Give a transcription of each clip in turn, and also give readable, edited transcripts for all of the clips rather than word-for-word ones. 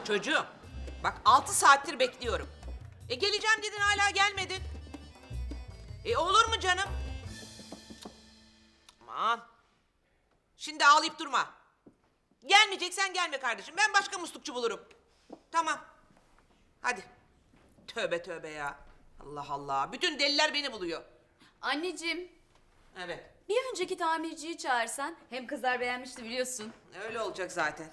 Çocuğum, bak 6 saattir bekliyorum. Geleceğim dedin hala gelmedin. Olur mu canım? Aman. Şimdi ağlayıp durma. Gelmeyeceksen gelme kardeşim. Ben başka muslukçu bulurum. Tamam. Hadi. Tövbe tövbe ya. Allah Allah. Bütün deliler beni buluyor. Anneciğim, Evet. bir önceki tamirciyi çağırsan. Hem kızlar beğenmişti biliyorsun. Öyle olacak zaten.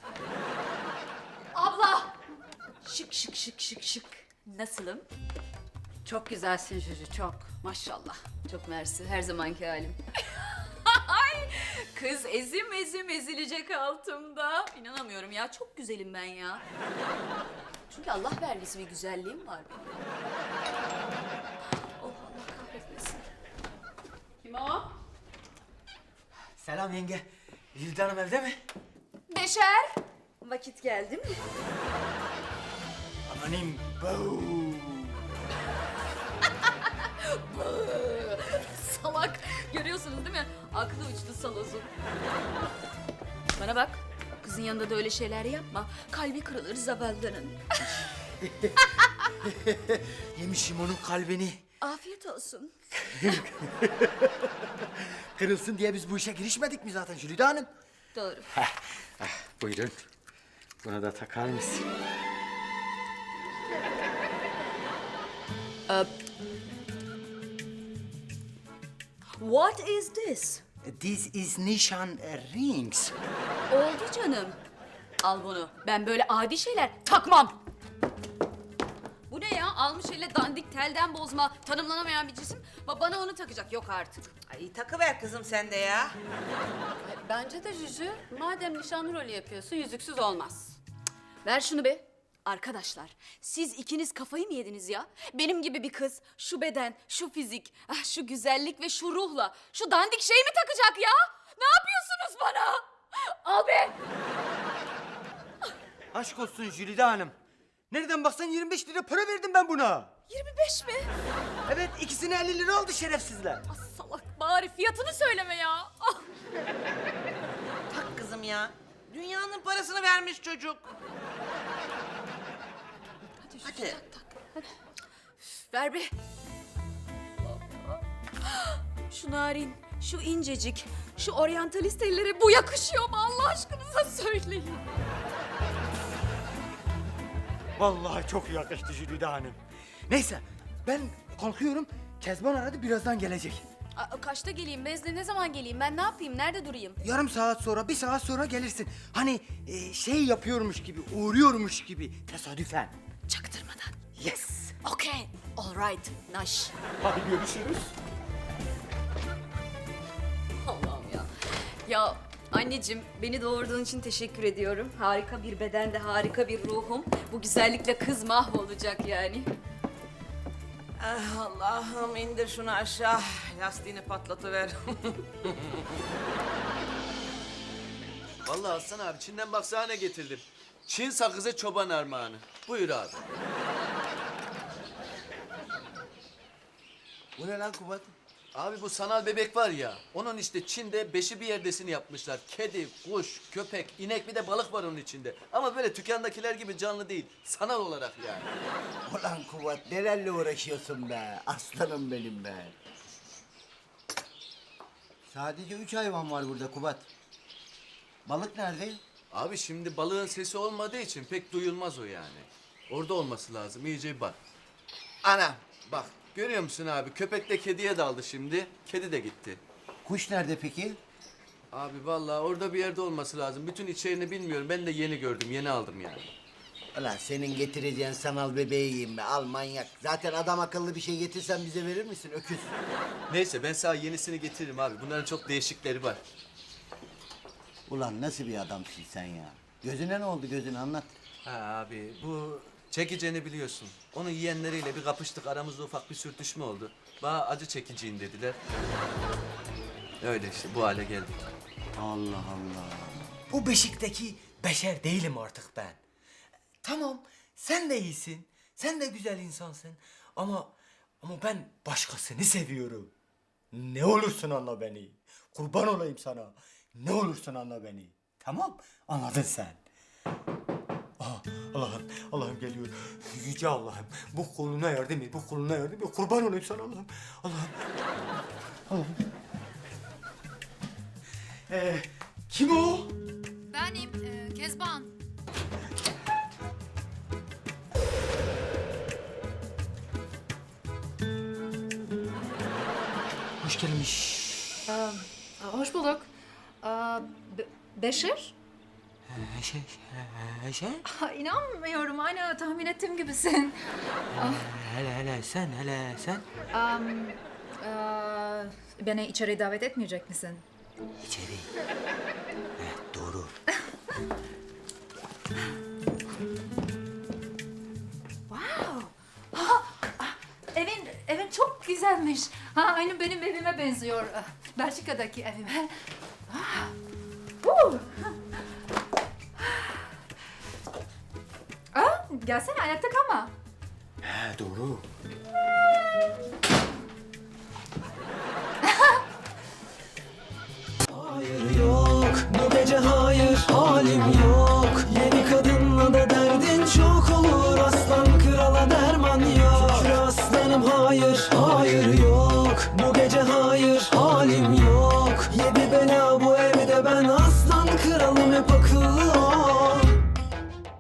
Abla! Şık şık şık şık şık. Nasılım? Çok güzelsin Juju, çok. Maşallah. Çok mersi. Her zamanki halim. Ay, kız ezim ezim ezilecek altımda. İnanamıyorum ya. Çok güzelim ben ya. Çünkü Allah vergisi bir güzelliğim var. Oh Allah kahretmesin. Kim o? Selam yenge. Jülide Hanım evde mi? Beşer. Vakit geldi mi? Amanim. Bau. Salak. Görüyorsunuz değil mi? Aklı uçtu salozun. Bana bak. Kızın yanında da öyle şeyler yapma. Kalbi kırılır zavallının. Yemişim onun kalbini. Afiyet olsun. Kırılsın diye biz bu işe girişmedik mi zaten Jülide Hanım? Doğru. Buyurun. Buna da takar mısın? What is this? This is nişan rings. Oldu canım. Al bunu. Ben böyle adi şeyler takmam. Bu ne ya? Almış elle dandik telden bozma, tanımlanamayan bir cisim. Bana onu takacak. Yok artık. Ay takıver kızım sen de ya. Bence de Juju, madem nişanlı rolü yapıyorsun, yüzüksüz olmaz. Ver şunu be. Arkadaşlar, siz ikiniz kafayı mı yediniz ya? Benim gibi bir kız, şu beden, şu fizik, şu güzellik ve şu ruhla, şu dandik şeyi mi takacak ya? Ne yapıyorsunuz bana? Al be! Aşk olsun Jülide Hanım. Nereden baksan 25 lira para verdim ben buna. 25 mi? Evet, ikisine 50 lira oldu şerefsizler. Ah, salak, bari fiyatını söyleme ya. Ah. Tak kızım ya. Dünyanın parasını vermiş çocuk. Hadi. Ver be. Şu narin, şu incecik, şu oryantalist ellere bu yakışıyor mu Allah aşkınıza söyleyin. Vallahi çok yakıştı Jülide Hanım. Neyse, ben kalkıyorum. Kezban aradı, birazdan gelecek. Kaçta geleyim? Bezle ne zaman geleyim? Ben ne yapayım? Nerede durayım? Yarım saat sonra, bir saat sonra gelirsin. Hani şey yapıyormuş gibi, uğruyormuş gibi tesadüfen. Çaktırmadan. Yes. Okay, all right, naş. Hadi görüşürüz. Allah'ım ya. Ya anneciğim beni doğurduğun için teşekkür ediyorum. Harika bir bedende harika bir ruhum. Bu güzellikle kız mahvolacak yani. Ah, Allah'ım indir şunu aşağı. Lastiğini patlatıver. Vallahi Aslan abi Çin'den baksana ne getirdim. Çin sakızı çoban armağanı. Buyur abi. Bu ne lan Kubat? Abi bu sanal bebek var ya, onun işte Çin'de beşi bir yerdesini yapmışlar. Kedi, kuş, köpek, inek bir de balık var onun içinde. Ama böyle dükkandakiler gibi canlı değil, sanal olarak yani. Ulan Kubat nelerle uğraşıyorsun be? Aslanım benim be. Sadece 3 hayvan var burada Kubat. Balık nerede? Abi şimdi balığın sesi olmadığı için pek duyulmaz o yani. Orada olması lazım, iyice bir bak. Ana, bak görüyor musun abi? Köpek de kediye daldı şimdi, kedi de gitti. Kuş nerede peki? Abi vallahi orada bir yerde olması lazım. Bütün içeriğini bilmiyorum. Ben de yeni gördüm, yeni aldım yani. Ulan senin getireceğin sanal bebeği yiyeyim be. Al manyak. Zaten adam akıllı bir şey getirsen bize verir misin öküz? Neyse ben sana yenisini getiririm abi. Bunların çok değişikleri var. Ulan nasıl bir adamsın sen ya? Gözüne ne oldu gözüne anlat. Ha abi bu çekiceni biliyorsun. Onu yiyenleriyle bir kapıştık. Aramızda ufak bir sürtüşme oldu. Bana acı çekiciyim dediler. Öyle işte bu hale geldik. Allah Allah. Bu beşikteki beşer değilim artık ben. Tamam, sen de iyisin. Sen de güzel insansın. Ama ben başkasını seviyorum. Ne olursun anla beni. Kurban olayım sana. Ne olursun anla beni. Tamam, anladın sen. Aa, Allah'ım geliyor. Yüce Allah'ım, bu kuluna yardım et, bu kuluna yardım et. Kurban olayım sana Allah'ım. Allah'ım. Kim o? Benim Kezban. Hoş gelmiş. Hoş bulduk. Beşir? Şey? İnanmıyorum. Aynı tahmin ettiğim gibisin. Hele sen. Beni içeri davet etmeyecek misin? İçeri. Evet, doğru. Evin çok güzelmiş. Aynı benim evime benziyor. Belçika'daki evime. Gelsene ayakta kalma. He, doğru. Hayır yok, bu gece hayır, halim yok. Yeni kadınla da derdin çok olur. Aslan krala derman yok. Şükür aslanım hayır, hayır yok. Bu gece hayır, halim yok.